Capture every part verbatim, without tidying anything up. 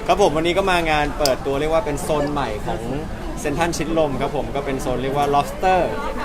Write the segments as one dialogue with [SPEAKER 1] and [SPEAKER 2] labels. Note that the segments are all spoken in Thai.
[SPEAKER 1] ครับผมวันนี้ก็มางานเปิดตัวเรียกว่าเป็นโซนใหม่ของเซ็นทรัลชิดลมครับผมก็เป็นโซนเรียกว่า lobster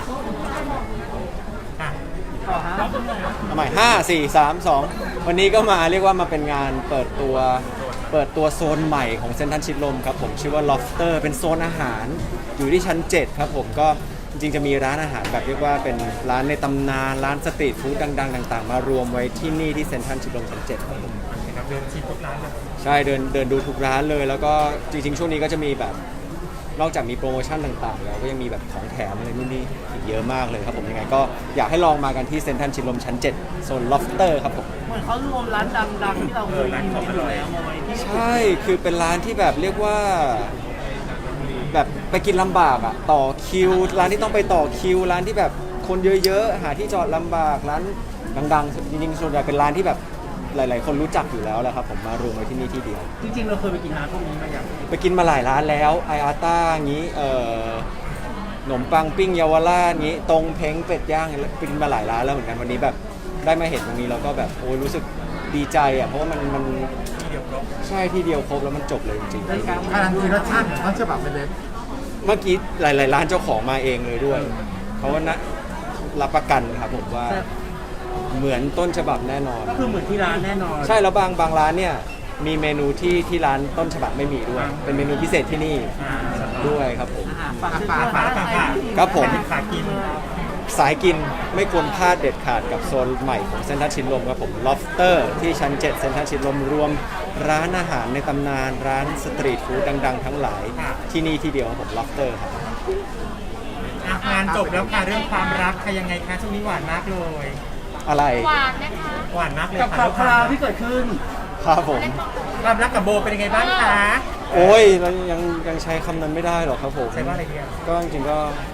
[SPEAKER 1] ทำไมห้าสี่สามสองวันนี้ก็มาเรียกว่ามาเป็นงานเปิดตัวเปิดตัวโซนใหม่ของเซ็นทรัลชิดลมครับผมชื่อว่า lobster เป็นโซนอาหารอยู่ที่ชั้นเจ็ดครับผมก็จริงๆจะมีร้านอาหารแบบเรียกว่าเป็นร้านในตำนานร้านสตรีทฟู้ดดังๆต่างๆมารวมไว้ที่นี่ที่เซ็นทรัลชิดลมชั้นเจ็ดครับผม
[SPEAKER 2] เดินชิมทุกร้านเลย
[SPEAKER 1] ใช่เดินเดินดูทุกร้านเลยแล้วก็จริงๆช่วงนี้ก็จะมีแบบนอกจากมีโปรโมชั่นต่างๆแล้วก็ยังมีแบบของแถมอะไรนู่นนี่อีกเยอะมากเลยครับผมยังไงก็อยากให้ลองมากันที่เซ็นทรัลชิดลมชั้นเจ็ดโซน lobster ครับผม
[SPEAKER 3] เหมือนเขารวมร้านดังๆที่เราเคยกินกันอยู่แล้วมาไว้ที่
[SPEAKER 1] ใช่คือเป็นร้านที่แบบเรียกว่าแบบไปกินลำบากอะต่อคิวร้านที่ต้องไปต่อคิวร้านที่แบบคนเยอะๆหาที่จอดลำบากร้านดังๆจริงๆส่วนใหญ่เป็นร้านที่แบบหลายๆคนรู้จักอยู่แล้วแหละครับผมมารวมไว้ที่นี่ที่เดียว
[SPEAKER 3] จริงๆเราเคยไปกินร้านพวกนี้มาอย่าง
[SPEAKER 1] ไปกินมาหลายร้านแล้วไออาต้างี้เอ่อขนมปังปิ้งเยาวราชงี้ตรงเพ้งเป็ดย่างไปกินมาหลายร้านแล้วเหมือนกันวันนี้แบบได้มาเห็นตรงนี้แล้วก็แบบโอ้ยรู้สึกดีใจอ่ะเพราะว่ามันมัน
[SPEAKER 2] ที่เดียวครบ
[SPEAKER 1] ใช่ที่เดียวครบแล้วมันจบเลยจริงๆ
[SPEAKER 4] การันตีรสชาติของต้นฉบับเป็นเลย
[SPEAKER 1] เมื่อกี้หลายๆร้านเจ้าของมาเองเลยด้วยเพราะว่านะรับประกันครับผมว่าเหมือนต้นฉบับแน่นอน
[SPEAKER 3] ก็คือเหมือนที่ร้านแน่นอน
[SPEAKER 1] ใช่แล้วบางบางร้านเนี่ยมีเมนูที่ที่ร้านต้นฉบับไม่มีด้วยเป็นเมนูพิเศษที่นี่ด้วยครับผม
[SPEAKER 3] ฝากฝากฝากฝาก
[SPEAKER 1] ครับผม
[SPEAKER 2] ฝากกิน
[SPEAKER 1] สายกินไม่ควรพลาดเด็ดขาดกับโซนใหม่ของเซ็นทรัลชิดลมครับผม lobster ที่ชั้นเจ็ดเซ็นทรัลชิดลมรวมร้านอาหารในตำนานร้านสตรีทฟู้ดดังๆทั้งหลายที่นี่ที่เดียวครับผม lobster ครับ
[SPEAKER 2] งานจบแล้วค่ะเรื่องความรักค่ะยังไงคะช่วงนี้หวานมากเลย
[SPEAKER 1] อะไร
[SPEAKER 5] หวานนะคะ
[SPEAKER 2] หวานมากเลย
[SPEAKER 3] กับข่าวคราวที่เกิดขึ้น
[SPEAKER 1] ครับผม
[SPEAKER 2] ความรักกับโบเป็นยังไงบ้างคะ
[SPEAKER 1] โอ้ยเรายังยังใช้คำนั้นไม่ได้หรอกครับผม
[SPEAKER 2] ใช้ว่าอะไรดีอ่ะ
[SPEAKER 1] ก็จริงๆก็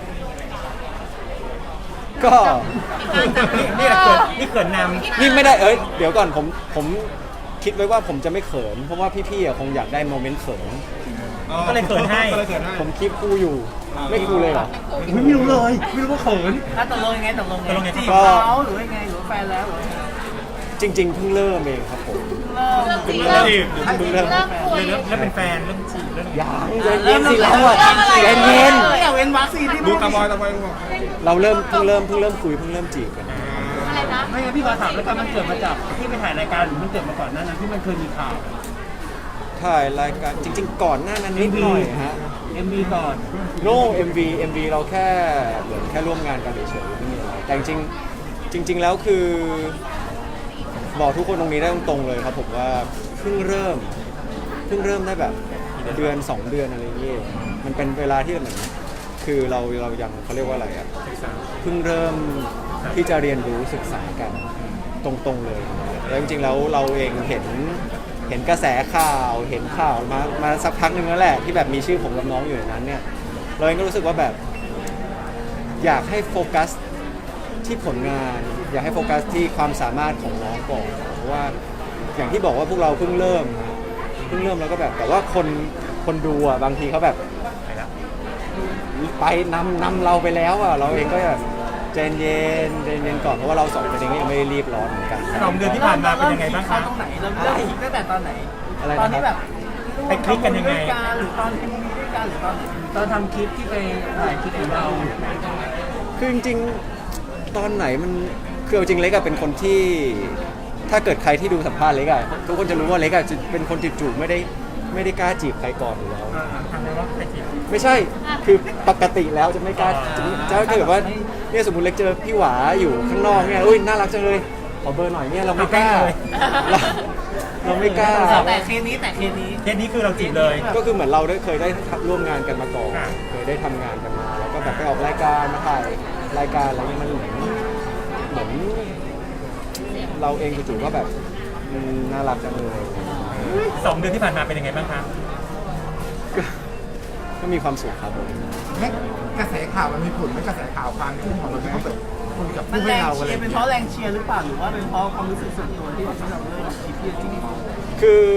[SPEAKER 1] ก็
[SPEAKER 2] นี่เกิดนี่เกิดน
[SPEAKER 1] ำนี่ไม่ได้เอ้ยเดี๋ยวก่อนผมผมคิดไว้ว่าผมจะไม่เขินเพราะว่าพี่ๆคงอยากได้โมเมนต์เขิน
[SPEAKER 2] ก็เลยเขินให้
[SPEAKER 1] ผมคลิปคู่อยู่ไม่คู่เลยเหรอ
[SPEAKER 3] ไม่รู้เลยไม่รู้ว่าเขินถ้าตกลงยังไงตกลงไงจีบเขาหรือยังไงหรือแฟนแล้ว
[SPEAKER 1] จริงๆเพิ่งเริ่มเองครับผม
[SPEAKER 5] เริ่มเริ่มจีบ
[SPEAKER 1] เพิ่งเริ่ม
[SPEAKER 5] คุย
[SPEAKER 2] เริ่มเริ่มเป็นแฟนเริ่มจีบเริ่ม
[SPEAKER 1] ยังเย็นสิแล้วอ่ะเย็นเย็น
[SPEAKER 3] อย่าเว้นวักซีที่
[SPEAKER 4] ดูตาบอยตาบอย
[SPEAKER 1] เราเริ่มเพิ่งเริ่มเพิ่งเริ่มคุยเพิ่งเริ่มจีบกัน
[SPEAKER 5] อะไรนะ
[SPEAKER 3] ไม่งั้นพี่ขอถามแล้วกันมันเกิดมาจากที่ไปถ่ายรายการหรือมันเกิดมาก่อนนั้นที่มันเคยมีข่าว
[SPEAKER 1] ถ่ายรายการจริงๆก่อนหน้านั้นนิดหน่อยฮะ
[SPEAKER 3] เอ็ม วี ก่อน
[SPEAKER 1] โน่ เอ็ม วี เอ็ม วี เราแค่เหมือนแค่ร่วมงานกันเฉยๆไม่มีอะไรแต่จริงๆจริงๆแล้วคือบอกทุกคนตรงนี้ได้ตรงๆเลยครับผมว่าเพิ่งเริ่มเพิ่งเริ่มได้แบบเดือนสองเดือนอะไรอย่างเงี้ยมันเป็นเวลาที่เหมือนคือเราเรายังเขาเรียกว่าอะไรอ่ะเพิ่งเริ่มที่จะเรียนรู้ศึกษากันตรงๆเลยแล้วจริงๆแล้วเราเองเห็นเห็นกระแสข่าวเห็นข่าวมามาสักพักหนึ่งแล้วแหละที่แบบมีชื่อผมกับน้องอยู่ในนั้นเนี่ยเราเองก็รู้สึกว่าแบบอยากให้โฟกัสที่ผลงานอยากให้โฟกัสที่ความสามารถของน้องก่อนเพราะว่าอย่างที่บอกว่าพวกเราเพิ่งเริ่มเพิ่งเริ่มแล้วก็แบบแต่ว่าคนคนดูอ่ะบางทีเขาแบบไปนำนำเราไปแล้วอ่ะเราเองก็แบบใจเย็นใจเย็นก่อนเพราะว่าเราสองคนเองก็ยังไม่ได้รีบร้อนเหมือนกัน
[SPEAKER 2] สองเดือนที่ผ่านมาเป็นยังไงบ้างคะ
[SPEAKER 3] ตรงไหนเราเริ่มคิดตั้งแต่ตอนไหน
[SPEAKER 1] ต
[SPEAKER 3] อนที่แบบ
[SPEAKER 2] ไปคลิกกันยังไง
[SPEAKER 3] หรือตอนที่มีด้วยกันหรือตอนตอนทำคลิปที่ไปถ่ายคลิปของเรา
[SPEAKER 1] คือจริงๆตอนไหนมันคือจริงเล็กอะเป็นคนที่ถ้าเกิดใครที่ดูสัมภาษณ์เล็กอะทุกคนจะรู้ว่าเล็กอะจะเป็นคนจิตจุไม่ได้ไม่ได้กล้าจีบใครก่อนอยู่แล้ว
[SPEAKER 2] ทำไมว่าใครจีบ
[SPEAKER 1] ไม่ใช่คือปกติแล้วจะไม่กล้าจะถ้าเกิดว่าเนี่ยสมมติเล็กเจอพี่หวาอยู่ข้างนอกเนี่ยอุ้ยน่ารักจังเลยขอเบอร์หน่อยเนี่ยเราไม่กล้าเราไม่กล้า
[SPEAKER 3] แต่เคสนี้แต่เคสนี้
[SPEAKER 2] เคสนี้คือเราจีบเลย
[SPEAKER 1] ก็คือเหมือนเราได้เคยได้ร่วมงานกันมาก่อนเคยได้ทำงานกันมาแล้วก็แบบไปออกรายการมาถ่ายรายการอะไรเงี้ยมันเหมือนเหมือนเราเองจู่ๆก็แบบน่ารักจังเลย
[SPEAKER 2] สองเดือนที่ผ่านมาเป็นยังไงบ้างครับ
[SPEAKER 1] ก็มีความสุขครับผม
[SPEAKER 4] กระแสข่าวมันมีผลไหมกระแสข่าวความขึ้นของเราที่เขาแบบคนกับ
[SPEAKER 3] ผู้ให้เราอะไรเป็นเพราะแรงเชียร์หรือเปล่าหรือว่าเป็นเพราะความรู้สึกส่วนตัวที่เราเริ่มคิดที่จริง
[SPEAKER 1] คือ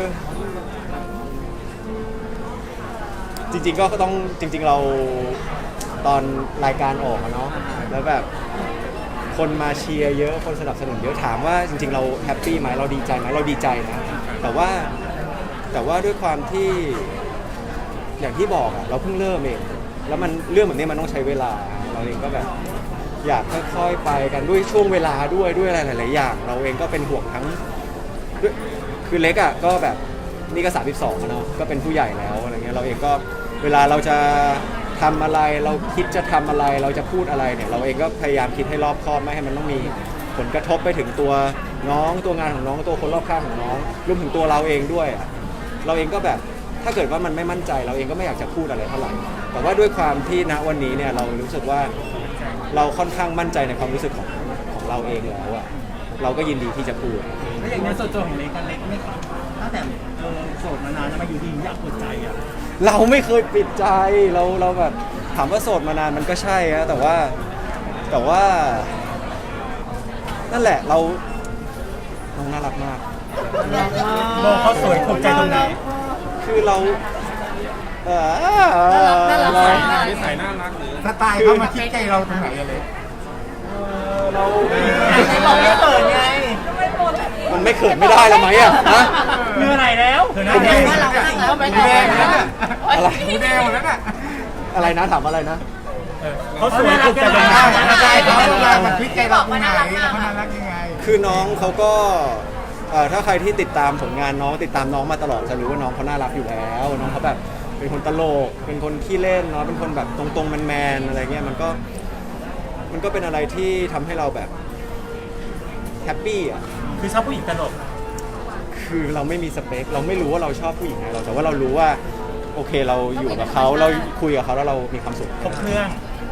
[SPEAKER 1] จริงๆก็ต้องจริงๆเราตอนรายการออกเนาะแล้วแบบคนมาเชียร์เยอะคนสนับสนุนเยอะถามว่าจริงๆเราแฮปปี้ไหมเราดีใจไหมเราดีใจนะแต่ว่าแต่ว่าด้วยความที่อย่างที่บอกอะเราเพิ่งเริ่มเองแล้วมันเรื่องแบบนี้มันต้องใช้เวลาเราเองก็แบบอยากค่อยๆไปกันด้วยช่วงเวลาด้วยด้วยอะไรหลายๆอย่าง เราเองก็เป็นห่วงทั้งด้วยคือเล็กอะก็แบบนี่ก็สามสิบสองเนาะก็เป็นผู้ใหญ่แล้วอะไรเงี้ยเราเองก็เวลาเราจะทำอะไรเราคิดจะทำอะไรเราจะพูดอะไรเนี่ยเราเองก็พยายามคิดให้รอบคอบไม่ให้มันต้องมีผลกระทบไปถึงตัวน้องตัวงานของน้องตัวคนรอบข้างของน้องรวมถึงตัวเราเองด้วยอะเราเองก็แบบถ้าเกิดว่ามันไม่มั่นใจเราเองก็ไม่อยากจะพูดอะไรเท่าไหร่แต่ว่าด้วยความที่ณวันนี้เนี่ยเรารู้สึกว่าเราค่อนข้างมั่นใจในความรู้สึกของของเราเองแล้วอะเราก็ยินดีที่จะพูด
[SPEAKER 3] แล้วอย่างในส่วนตัวของเล็กกันเล็กไม่ตั้งแต่เออโสดมานานแล้วมาอยู่ดีอยากเปิดใจอ่ะ
[SPEAKER 1] เราไม่เคยปิดใจเราเราแบบถามว่าโสดมานานมันก็ใช่นะแต่ว่าแต่ว่า นั่นแหละเราน้องน่ารักมาก
[SPEAKER 2] โบเขาสวยถูกใจตรงไหน
[SPEAKER 1] คือเราเออ
[SPEAKER 5] น่ารัก
[SPEAKER 1] เรา
[SPEAKER 5] น่ารัก
[SPEAKER 6] นิสัยน่ารักหรือ
[SPEAKER 4] สไตล์เขามาคิดใจเราตรงไหนอะเล็ก
[SPEAKER 1] เรา
[SPEAKER 3] เราไม่เปิดไง
[SPEAKER 1] มันไม่เขินไม่ได้แล้วไหมอะฮะ
[SPEAKER 3] เมื่อไหร่แล้ว
[SPEAKER 2] เธอหน้าแดง
[SPEAKER 5] ว่าเราจริงแล้วไม่
[SPEAKER 4] หู
[SPEAKER 5] ได้
[SPEAKER 4] แดงแล้วน่ะ
[SPEAKER 1] อะไร
[SPEAKER 4] หูแดงหมดแล้วน่ะ
[SPEAKER 1] อะไรนะถามอะไรนะ
[SPEAKER 2] เออเขาสวยถูกใจตรงไหน
[SPEAKER 4] สไตล์เขามาคิดใจเราตรงไหนแล้วเขาน่ารักยังไง
[SPEAKER 1] คือน้องเขาก็เอ่อถ้าใครที่ติดตามผลงานน้องติดตามน้องมาตลอดจะรู้ว่าน้องเขาน่ารักอยู่แล้วน้องเขาแบบเป็นคนตลกเป็นคนขี้เล่นเนาะเป็นคนแบบตรงๆแมนๆอะไรเงี้ยมันก็มันก็เป็นอะไรที่ทำให้เราแบบแฮปปี้อ่ะ
[SPEAKER 2] คือชอบผู้หญิงตลก
[SPEAKER 1] คือเราไม่มีสเปคเราไม่รู้ว่าเราชอบผู้หญิงไงเราแต่ว่าเรารู้ว่าโอเคเราอยู่กับเขาเราคุยกับเขาแล้วเรามีความสุข
[SPEAKER 2] ครบเครื่อง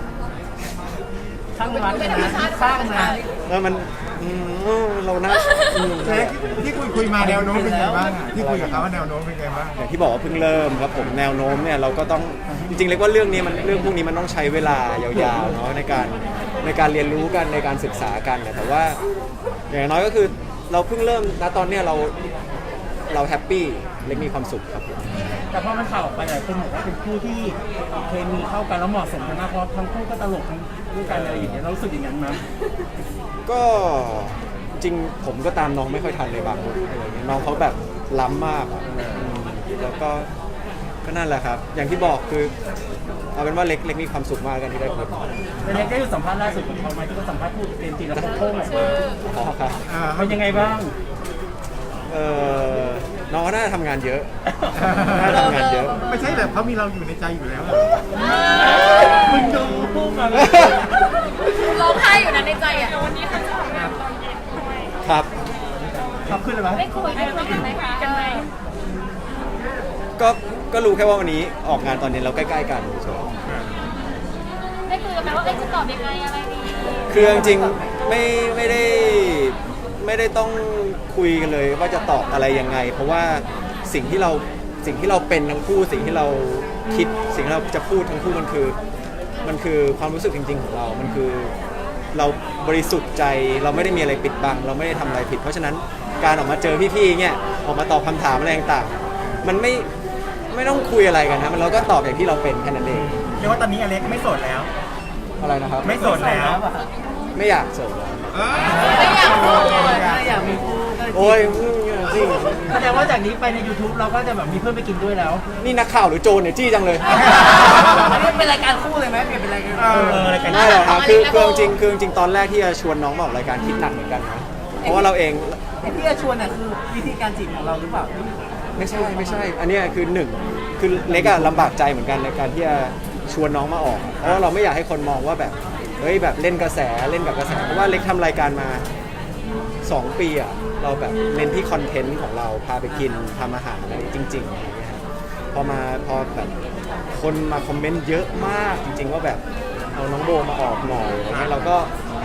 [SPEAKER 3] ช่างรักเลยนะสร้างนะ
[SPEAKER 1] แล้วมันอืมเรานะอืม
[SPEAKER 4] เล็กที่คุยคุยมาแนวโน้มเป็นไงบ้างอะที่คุยกับเขาว่าแนวโน้มเป็นไงบ้าง
[SPEAKER 1] อย่างที่บอกว่าเพิ่งเริ่มครับผมแนวโน้มเนี่ยเราก็ต้องจริงๆเรียกว่าเรื่องนี้มันเรื่องพวกนี้มันต้องใช้เวลายาวๆเนาะในการในการเรียนรู้กันในการศึกษากันเนี่ยแต่ว่าอย่างน้อยก็คือเราเพิ่งเริ่มณตอนเนี้ยเราเราแฮปปี้เล็กมีความสุขครับผม
[SPEAKER 3] แต่พอมันข่าวออกไปหลายคนบอกว่าเป็นคู่ที่เคมีเข้ากันแล้วเหมาะสมกันมากเพราะทั้งคู่ก็ตลกทั้งด้วยกันอะไรอย่างเงี้ยเรารู้สึกอย่างนั้นไหม
[SPEAKER 1] ก็จริงผมก็ตามน้องไม่ค่อยทันเลยบางคนอะไรเงี้ยน้องเขาแบบล้ำมากอะอืมแล้วก็ก็นั่นแหละครับ อย่างที่บอกคือเอาเป็นว่าเล็กเล็กมีความสุขมากกันที่ได้คุย
[SPEAKER 3] แต่เล็กได้ดูสัมภาษณ์ล่าสุดของเขาไหมที่เขาสัมภาษณ์พูดเป็นทีละโค้งๆออกมา
[SPEAKER 1] อ๋อครับ
[SPEAKER 4] อ่า
[SPEAKER 3] เป็นยังไงบ้าง
[SPEAKER 1] เออน้องก็น่าจะทำงานเยอะน่าจะทำงานเยอะ
[SPEAKER 4] ไม่ใช่แบบเขามีเราอยู่ในใจอยู่แล้ว
[SPEAKER 3] มึงดูพูดมาเลย
[SPEAKER 5] ร้องไห้อยู่นะในใจอ่ะวันนี้เขาจะ
[SPEAKER 1] ครับ
[SPEAKER 3] ขับขึ้นเลยไหม
[SPEAKER 5] ไม่คุยไม่คุยกันไหมคะกันไหม
[SPEAKER 1] ก็ก็รู้แค่ว่าวันนี้ออกงานตอนนี้เราใกล้ๆกันเฉย
[SPEAKER 5] ได้คุยกันไหมว่าเอ้ยจะตอบยังไงอะไรดี
[SPEAKER 1] ๆคือจริงๆไม่ไม่ได้ไม่ได้ต้องคุยกันเลยว่าจะตอบอะไรยังไง เพราะว่าสิ่งที่เราสิ่งที่เราเป็นทั้งคู่สิ่งที่เราคิดสิ่งที่เราจะพูดทั้งคู่มันคือมันคือความรู้สึกจริง ๆ ของเรา มันคือเราบริสุทธิ์ใจเราไม่ได้มีอะไรปิดบัง เราไม่ได้ทำอะไรผิด เพราะฉะนั้นการออกมาเจอพี่ๆเนี่ยออกมาตอบคำถามอะไรต่างๆมันไม่ไม่ต้องคุยอะไรกันนะมันเราก็ตอบอย่างที่เราเป็นแค่นั้นเอง
[SPEAKER 2] เรียกว่าตอนนี้อเล็กไม่โสดแล้ว
[SPEAKER 1] อะไรนะครับ
[SPEAKER 2] ไม่โสดแล้ว
[SPEAKER 1] ไม่อยากโสดแล้ว
[SPEAKER 5] ไม่อยากพูด
[SPEAKER 3] ถ้าอยากมีคู่ก็
[SPEAKER 1] โอ้ยจริง
[SPEAKER 3] แสดงว่าจากนี้ไปใน YouTube เราก็จะแบบมีเพื่อนไปกินด้วยแล้ว
[SPEAKER 1] นี่นักข่าวหรือโจรเนี่ยจี้จังเลย
[SPEAKER 3] อันนี้เป็นรายการคู่เลยไหมเปลี่ยนเป็นรายการ
[SPEAKER 2] เออรายการ
[SPEAKER 1] ไม่หรอกครับคือคือจริงคือจริงตอนแรกที่จะชวนน้องมาออกรายการคิดหนักเหมือนกันนะเพราะว่าเราเอง
[SPEAKER 3] ไอ้ที่จะชวนน่ะคือวิธีการจีบของเราหรือเปล่า
[SPEAKER 1] ไม่ใช่ไม่ใช่ อันเนี้ยคือหนึ่งคือเล็กอะลำบากใจเหมือนกันในการที่จะชวนน้องมาออก เพราะว่าเราไม่อยากให้คนมองว่าแบบเฮ้ยแบบเล่นกระแสเล่นกับกระแสเพราะว่าเล็กทำรายการมาสองปีอะเราแบบเน้นที่คอนเทนต์ของเราพาไปกินทำอาหารอะไรจริงๆอะไรเงี้ยครับพอมาพอแบบคนมาคอมเมนต์เยอะมากจริง ๆ ว่าแบบเอาน้องโบมาออกหน่อยอะไรเงี้ยเราก็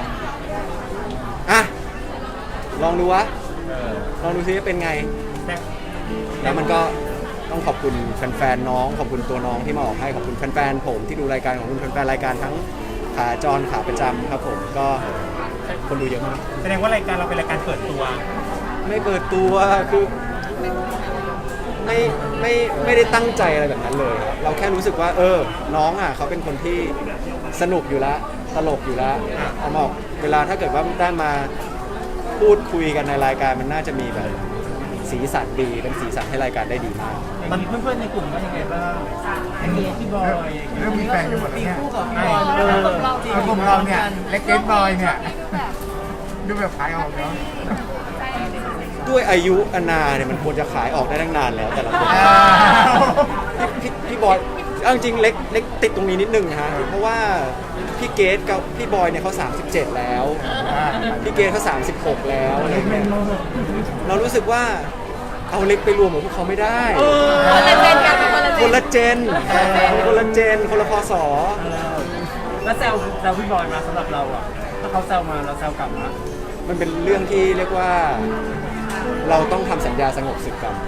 [SPEAKER 1] อ่ะลองดูวะ
[SPEAKER 2] เออ
[SPEAKER 1] ลองดูซิว่าเป็นไง
[SPEAKER 2] แต่
[SPEAKER 1] แล้วมันก็ต้องขอบคุณแฟนๆน้องขอบคุณตัวน้องที่มาออกให้ขอบคุณแฟนๆผมที่ดูรายการของคุณแฟนๆรายการทั้งขาจรขาประจำครับผมก็คนดูเยอะมาก
[SPEAKER 2] แสดงว่ารายการเราเป็นรายการเปิดตัว
[SPEAKER 1] ไม่เปิดตัวคือไม่ไม่ไม่ได้ตั้งใจอะไรแบบนั้นเลย เราแค่รู้สึกว่า เออ น้องอ่ะเขาเป็นคนที่สนุกอยู่แล้วตลกอยู่แล้วเอามาออกเวลาถ้าเกิดว่าได้มาพูดคุยกันในรายการมันน่าจะมีแบบสีสันดีเป็นสีสันให้รายการได้ดีมาก
[SPEAKER 3] ตอนนี้เพื่อนๆในกลุ่มว่ายังไงบ้างไอ้พี่บอย
[SPEAKER 4] เริ่มมีแฟนกันหมดแล้วเนี่ย
[SPEAKER 3] ไอ้เออ
[SPEAKER 4] เอากลุ่มเราเนี่ยเล็กเกตบอยเนี่ยดูแบบขายออกเนาะ
[SPEAKER 1] ด้วยอายุอนาเนี่ยมันควรจะขายออกได้ตั้งนานแล้วแต่ละคน
[SPEAKER 4] อ่า
[SPEAKER 1] พี่พี่พี่บอยเอาจริงๆเล็กเล็กติดตรงนี้นิดนึงนะฮะเพราะว่าพี่เกดกับพี่บอยเนี่ยเขาสามสิบเจ็ดแล้วพี่เกดเขาสามสิบหกแล้วอะไรเงี้ยเรารู้สึกว่าเอาเล็กไปรวมกับพวกเขาไม่ได้
[SPEAKER 5] คนละเจนกันเป็นคนละเจ
[SPEAKER 1] คน
[SPEAKER 5] น
[SPEAKER 1] ละเจนคนละเจนคนละพศ
[SPEAKER 3] แล้วแซวแซวพี่บอยมาสำหรับเราอ่ะถ้าเขาแซวมาเราแซวกลับนะ
[SPEAKER 1] มันเป็นเรื่องที่เรียกว่าเราต้องทำสัญญาสงบศึกกัน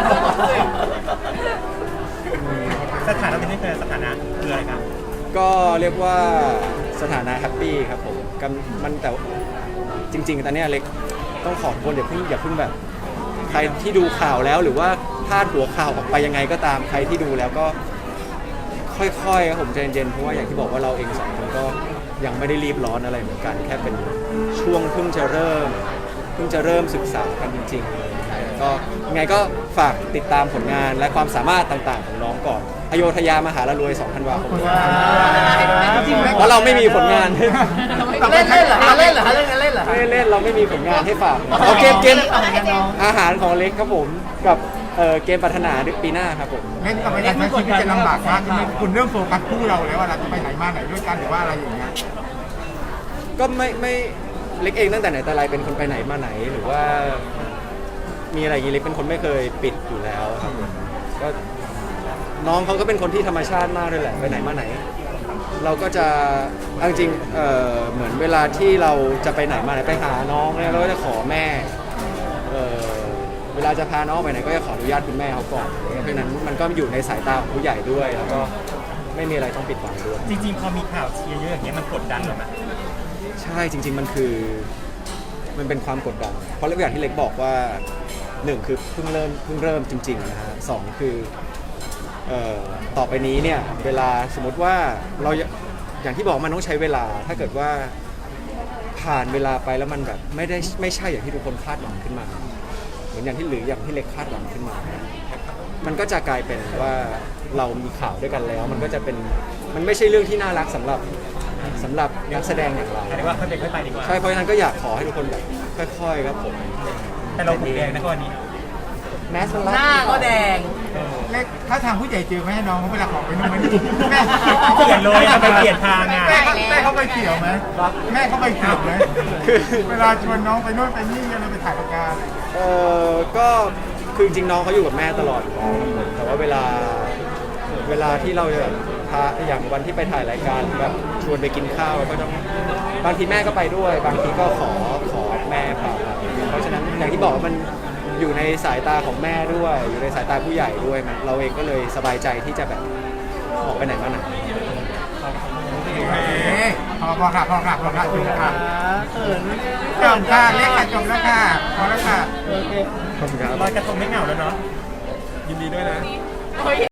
[SPEAKER 2] สถานะเป็นยังไงสถานะคืออะไรครับ
[SPEAKER 1] ก็เรียกว่าสถานะแฮปปี้ครับผมกำมันแต่จริงๆตอนเนี้ยเล็กต้องขอทุกคนอย่าเพิ่งอย่าเพิ่งแบบ ใครที่ดูข่าวแล้วหรือว่าพลาดหัวข่าวออกไปยังไงก็ตามใครที่ดูแล้วก็ค่อยๆครับผมใจเย็นๆเพราะว่าอย่างที่บอกว่าเราเองสองคนก็ยังไม่ได้รีบร้อนอะไรเหมือนกัน แค่เป็นช่วงเพิ่งจะเริ่มเพิ่งจะเริ่มศึกษากันจริงๆเลยก็ยังไงก็ฝากติดตามผลงานและความสามารถต่างๆของน้องก่อนอโยธยามหาละรวยสองธันวาคมเพราะเราไม่มีผลงาน
[SPEAKER 3] เล่นเล่นเหรอเล่นเหรอเล่นเล่นเหรอ
[SPEAKER 1] ไม่ได้เล่นเราไม่มีผลงานให้ฝากเอาเกมเกมอาหารของเล็กครับผมกับเอ่อเกมปรารถนาปีหน้าครับผม
[SPEAKER 4] เล่นกับไปทางชีวิตจะลำบากมากขึ้นไหมคุณเริ่มโฟกัสคู่เราแล้วว่าเราจะไปไหนมาไหนด้วยกันหรือว่าอะไรอย่างเงี้ย
[SPEAKER 1] ก็ไม่ไม่เล็กเองตั้งแต่ไหนแต่ไรเป็นคนไปไหนมาไหนหรือว่ามีอะไรอย่างงี้เล็กเป็นคนไม่เคยปิดอยู่แล้วครับผมก็น้องเขาก็เป็นคนที่ธรรมชาติมากด้วยแหละไปไหนมาไหน เราก็จะเอาจริงๆเอ่อเหมือนเวลาที่เราจะไปไหนมาไหนไปหาน้องเนี่ยเราก็จะขอแม่เอ่อเวลาจะพาน้องไปไหนก็จะขออนุญาตคุณแม่เขาก่อนเพราะฉะนั้นมันก็อยู่ในสายตาของผู้ใหญ่ด้วยแล้วก็ไม่มีอะไรต้องปิดบังด้วย
[SPEAKER 2] จริงๆพอมีข่าวเชียร์เยอะอย่างเงี้ยมันกดดันเหรอไหม
[SPEAKER 1] ใช่จริง ๆ มันคือมันเป็นความกดดัน เพราะเรื่องอย่างที่เล็กบอกว่าหนึ่งคือเพิ่งเริ่มเพิ่งเริ่มจริงๆนะฮะสองคือเอ่อต่อไปนี้เนี่ยเวลาสมมติว่าเราอย่างที่บอกมันต้องใช้เวลาถ้าเกิดว่าผ่านเวลาไปแล้วมันแบบไม่ได้ไม่ใช่อย่างที่ทุกคนคาดหวังขึ้นมาเหมือนอย่างที่หรืออย่างที่เล็กคาดหวังขึ้นมา มันก็จะกลายเป็นว่าเรามีข่าวด้วยกันแล้ว มันก็จะเป็นมันไม่ใช่เรื่องที่น่ารักสำหรับสำหรับนักแสดงอย่างเรา
[SPEAKER 2] เรียกว่าค่อยเป็นค่อยไปดีกว่า
[SPEAKER 1] ใช่เพราะฉะนั้นก็อยากขอให้ทุกคนแบบค่อยๆครับผม
[SPEAKER 2] แต่เราหูแดงนะวันนี้
[SPEAKER 1] แมสมันรั
[SPEAKER 3] หน้าก็แดง
[SPEAKER 4] เล็กถ้าทางผู้ใหญ่เจอไหมให้น้องเขาเวลาขอไปนู่นไปนี่แม่
[SPEAKER 2] เปลี่ยนเลยทำไมเปลี่ยนทางอ่ะ
[SPEAKER 4] แม่เขาแม่เขาไปเกี่ยวไหมแม่เขาไปเกี่ยวไหมเวลาชวนน้องไปนู่นไปนี่อะไรไปถ่ายรายการ
[SPEAKER 1] เออก็คือจริงๆน้องเขาอยู่กับแม่ตลอดอยู่แล้วครับผมแต่ว่าเวลาเวลาที่เราจะแบบพาอย่างวันที่ไปถ่ายรายการแบบชวนไปกินข้าวก็ต้องบางทีแม่ก็ไปด้วย บางทีก็ขอขอแม่พาไปเพราะฉะนั้นอย่างที่บอกว่ามันอยู่ในสายตาของแม่ด้วย อยู่ในสายตาผู้ใหญ่ด้วยมันเราเองก็เลยสบายใจที่จะแบบออกไปไหนมาไหน
[SPEAKER 4] โอเคพอพอค่ะพอค่ะพอค่ะจบค่ะ
[SPEAKER 3] เขิน
[SPEAKER 4] จบค่ะเล็กค่ะจบแล้วค่ะพอแล้วค่ะ
[SPEAKER 3] โอเค
[SPEAKER 1] ขอบคุณครับ
[SPEAKER 2] ลอยกระทงไม่เหงาแล้วเนาะ
[SPEAKER 1] ยินดีด้วยนะ